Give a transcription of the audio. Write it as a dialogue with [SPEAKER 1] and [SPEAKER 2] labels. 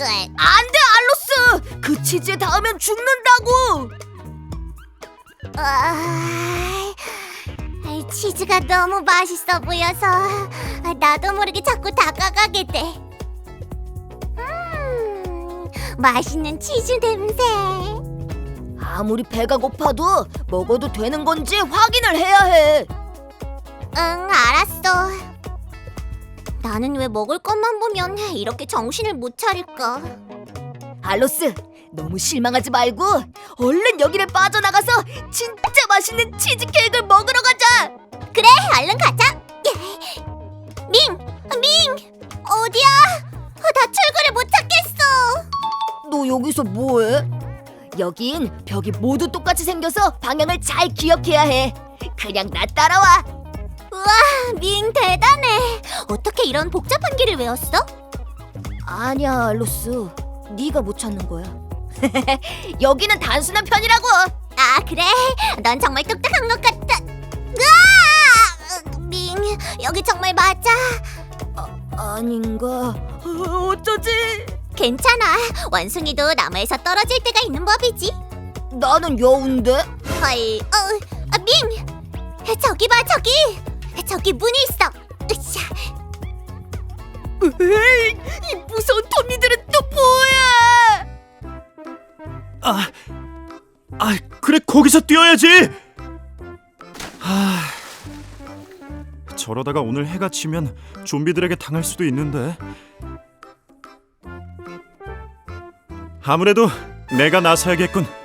[SPEAKER 1] 안 돼, 알로스! 그 치즈에 닿으면 죽는다고!
[SPEAKER 2] 치즈가 너무 맛있어 보여서 나도 모르게 자꾸 다가가게 돼. 맛있는 치즈 냄새.
[SPEAKER 1] 아무리 배가 고파도 먹어도 되는 건지 확인을 해야 해.
[SPEAKER 2] 응, 알았어. 나는 왜 먹을 것만 보면 이렇게 정신을 못 차릴까?
[SPEAKER 1] 알로스, 너무 실망하지 말고 얼른 여기를 빠져나가서 진짜 맛있는 치즈케이크를 먹으러 가자.
[SPEAKER 2] 그래, 얼른 가자. 밍! 어디야? 나 출구를 못 찾겠어.
[SPEAKER 1] 너 여기서 뭐해? 여긴 벽이 모두 똑같이 생겨서 방향을 잘 기억해야 해. 그냥 나 따라와.
[SPEAKER 2] 우와, 밍 대단해. 어떻게 이런 복잡한 길을 외웠어?
[SPEAKER 1] 아니야, 알로스. 네가 못 찾는 거야. 여기는 단순한 편이라고.
[SPEAKER 2] 아, 그래? 넌 정말 똑똑한 것 같아. 으아! 밍, 여기 정말 맞아.
[SPEAKER 1] 아닌가? 어쩌지?
[SPEAKER 2] 괜찮아. 원숭이도 나무에서 떨어질 때가 있는 법이지.
[SPEAKER 1] 나는 여운데?
[SPEAKER 2] 헐, 밍! 저기 봐, 저기! 저기 문이 있어. 으쌰.
[SPEAKER 1] 에이, 이 무서운 톱니들은 또 뭐야?
[SPEAKER 3] 그래 거기서 뛰어야지. 저러다가 오늘 해가 지면 좀비들에게 당할 수도 있는데. 아무래도 내가 나서야겠군.